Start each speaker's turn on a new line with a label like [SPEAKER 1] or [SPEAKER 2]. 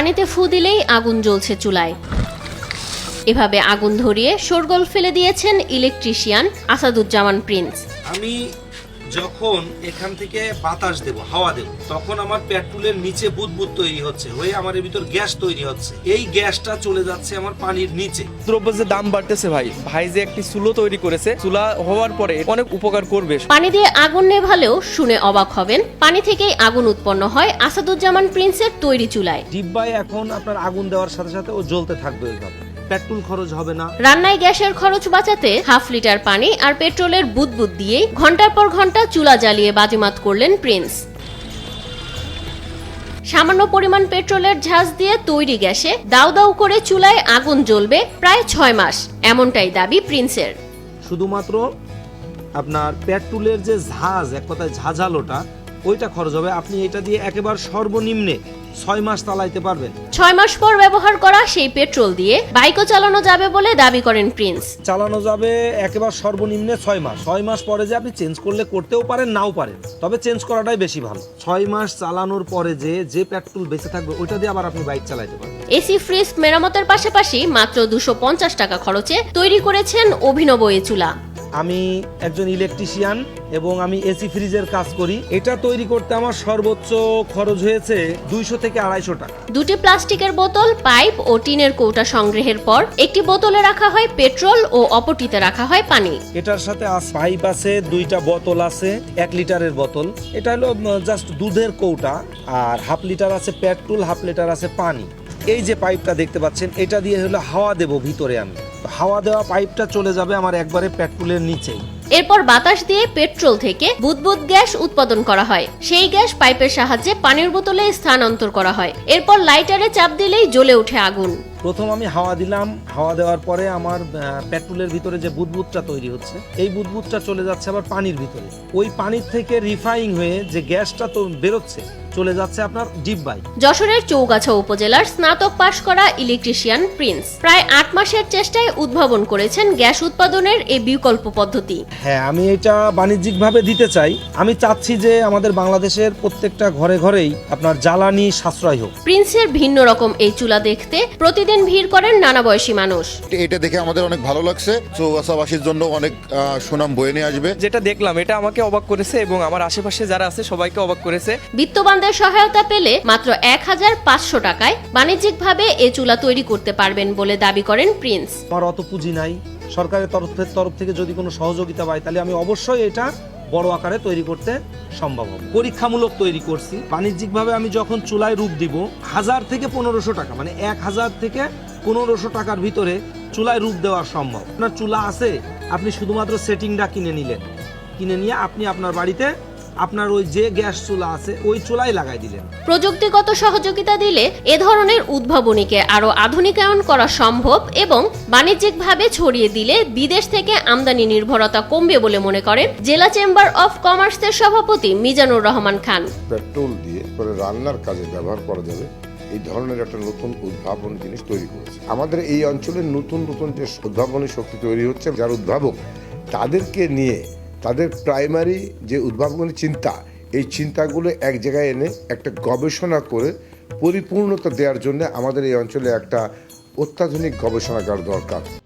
[SPEAKER 1] পানিতে ফু দিলেই আগুন জ্বলছে চুলায়। এভাবে আগুন ধরিয়ে শোরগোল ফেলে দিয়েছেন ইলেকট্রিশিয়ান আসাদুজ্জামান প্রিন্স।
[SPEAKER 2] আমি যখন এখান থেকে বাতাস দেব, হাওয়া দেব, তখন আমার পেট্রোলের নিচে বুদবুদ তৈরি হচ্ছে, হয়ে আমার এর ভিতর গ্যাস তৈরি হচ্ছে। এই গ্যাসটা চলে যাচ্ছে আমার পানির নিচে।
[SPEAKER 3] দ্রব্য যে দাম বাড়তেছে ভাই যে একটি চুলো তৈরি করেছে, চুলা হওয়ার পরে অনেক উপকার করবে।
[SPEAKER 1] পানি দিয়ে আগুন নেভালেও শুনে অবাক হবেন, পানি থেকেই আগুন উৎপন্ন হয় আসাদুজ্জামান প্রিন্সের তৈরি চুলায়।
[SPEAKER 2] ডিব্বায় এখন আপনার আগুন দেওয়ার সাথে সাথে ও জ্বলতে থাকবে, এইভাবে পেট্রোল খরচ হবে না।
[SPEAKER 1] রান্নায় গ্যাসের খরচ বাঁচাতে হাফ লিটার পানি আর পেট্রোলের বুদবুদ দিয়েই ঘন্টার পর ঘন্টা চুলা জ্বালিয়ে বাজিমাত করলেন প্রিন্স। সামান্য পরিমাণ পেট্রোলের ঝাঁজ দিয়ে তৈরি গ্যাসে দাউ দাউ করে চুলায় আগুন জ্বলবে প্রায় 6 মাস, এমনটাই দাবি প্রিন্সের।
[SPEAKER 2] শুধুমাত্র আপনার পেট্রোলের যে ঝাঁজ, এক কথায় ঝাঁঝালোটা, ওইটা খরচ হবে। আপনি এটা দিয়ে একেবারে সর্বনিম্নে 6 মাস চালাইতে পারবেন।
[SPEAKER 1] 6 মাস পর ব্যবহার করা সেই পেট্রোল দিয়ে বাইকও চালানো যাবে বলে দাবি করেন প্রিন্স।
[SPEAKER 2] চালানো যাবে একেবারে সর্বনিম্নে 6 মাস। 6 মাস পরে যে আপনি চেঞ্জ করলে করতেও পারেন, নাও পারেন, তবে চেঞ্জ করাটাই বেশি ভালো। 6 মাস চালানোর পরে যে পেট্রোল বেঁচে থাকবে, ওইটা দিয়ে আবার আপনি বাইক চালাইতে পারবেন।
[SPEAKER 1] এসি ফ্রিজ মেরামতের পাশাপাশি মাত্র 250 টাকা খরচে তৈরি করেছেন অভিনব এই চুলা।
[SPEAKER 2] আমি একজন ইলেকট্রিশিয়ান এবং আমি এসি ফ্রিজের কাজ করি। এটা তৈরি করতে আমার সর্বোচ্চ খরচ হয়েছে 200 থেকে 250 টাকা।
[SPEAKER 1] দুটি প্লাস্টিকের বোতল, পাইপ ও টিনের কৌটা সংগ্রহের পর একটি বোতলে রাখা হয় পেট্রোল ও অপরটিতে রাখা হয় পানি।
[SPEAKER 2] এটার সাথে পাইপ আছে, 2টা বোতল আছে, 1 লিটারের বোতল। এটা হলো জাস্ট দুধের কৌটা, আর হাফ লিটার আছে পেট্রোল, হাফ লিটার আছে পানি। এই যে পাইপটা দেখতে পাচ্ছেন, এটা দিয়ে হলো হাওয়া দেব ভিতরে। আমি হাওয়া দেওয়া পাইপটা চলে যাবে আমার একবারে পেট্রোলের নিচেই।
[SPEAKER 1] এরপর বাতাস দিয়ে পেট্রোল থেকে বুদবুদ গ্যাস উৎপাদন করা হয়। সেই গ্যাস পাইপের সাহায্যে পানির বোতলে স্থানান্তর করা হয়। এরপর লাইটারে চাপ দিলেই জ্বলে ওঠে আগুন।
[SPEAKER 2] প্রথম আমি হাওয়া দিলাম, হাওয়া দেওয়ার পরে আমার পেট্রোলের ভিতরে যে বুদবুদটা তৈরি হচ্ছে, এই বুদবুদটা চলে যাচ্ছে আবার পানির ভিতরে। ওই পানির থেকে রিফাইন হয়ে যে গ্যাসটা তো বেরোচ্ছে, চলে যাচ্ছে আপনার ডিব্বায়।
[SPEAKER 1] যশোরের চৌগাছা উপজেলার স্নাতক পাশ করা ইলেকট্রিশিয়ান প্রিন্স প্রায় 8 মাসের চেষ্টায় উদ্ভাবন করেছেন গ্যাস উৎপাদনের এই বিকল্প পদ্ধতি।
[SPEAKER 2] হ্যাঁ, আমি এটা বাণিজ্যিকভাবে দিতে চাই। আমি চাচ্ছি যে আমাদের বাংলাদেশের প্রত্যেকটা ঘরে ঘরেই আপনার জ্বালানি সাশ্রয় হোক।
[SPEAKER 1] প্রিন্সের ভিন্ন রকম এই চুলা দেখতে প্রতিদিন ভিড় করেন নানা বয়সী মানুষ।
[SPEAKER 4] এটা দেখে আমাদের অনেক ভালো লাগছে। চৌগাছাবাসীর জন্য অনেক সুনাম বয়ে নিয়ে আসবে।
[SPEAKER 3] যেটা দেখলাম এটা আমাকে অবাক করেছে এবং আমার আশেপাশে যারা আছে সবাইকে অবাক করেছে।
[SPEAKER 1] বিত্তবানদের সহায়তা পেলে মাত্র 1500 টাকায় বাণিজ্যিকভাবে এই চুলা তৈরি করতে পারবেন বলে দাবি করেন প্রিন্স।
[SPEAKER 2] আমার অত পুঁজি নাই, সরকারের তরফ থেকে যদি কোনো সহযোগিতা পাই, তাহলে আমি অবশ্যই এটা বড় আকারে তৈরি করতে সম্ভব হবে। পরীক্ষামূলক তৈরি করছি। বাণিজ্যিকভাবে আমি যখন চুলায় রূপ দিব, 1000 থেকে 1500 টাকা, মানে 1000 থেকে 1500 টাকার ভিতরে চুলায় রূপ দেওয়া সম্ভব। আপনার চুলা আছে, আপনি শুধুমাত্র সেটিংটা কিনে নিলেন, কিনে নিয়ে আপনি আপনার বাড়িতে আপনার ওই যে গ্যাস চুলা আছে ওই চুলাই লাগাই দিলেন।
[SPEAKER 1] প্রযুক্তিগত সহযোগিতা দিলে এ ধরনের উদ্ভাবনীকে আরো আধুনিকায়ন করা সম্ভব এবং বাণিজ্যিকভাবে ছড়িয়ে দিলে বিদেশ থেকে আমদানি নির্ভরতা কমবে বলে মনে করেন জেলা চেম্বার অফ কমার্সের সভাপতি মিজানুর রহমান খান।
[SPEAKER 5] পেট্রোল দিয়ে পরে রান্নার কাজে ব্যবহার করা যাবে, এই ধরনের একটা নতুন উদ্ভাবনী জিনিস তৈরি করেছে। আমাদের এই অঞ্চলে নতুন নতুন যে উদ্ভাবনী শক্তি তৈরি হচ্ছে, যারা উদ্ভাবক তাদেরকে নিয়ে তাদের প্রাইমারি যে উদ্ভাবনী চিন্তা, এই চিন্তাগুলো এক জায়গায় এনে একটা গবেষণা করে পরিপূর্ণতা দেওয়ার জন্য আমাদের এই অঞ্চলে একটা অত্যাধুনিক গবেষণাগার দরকার।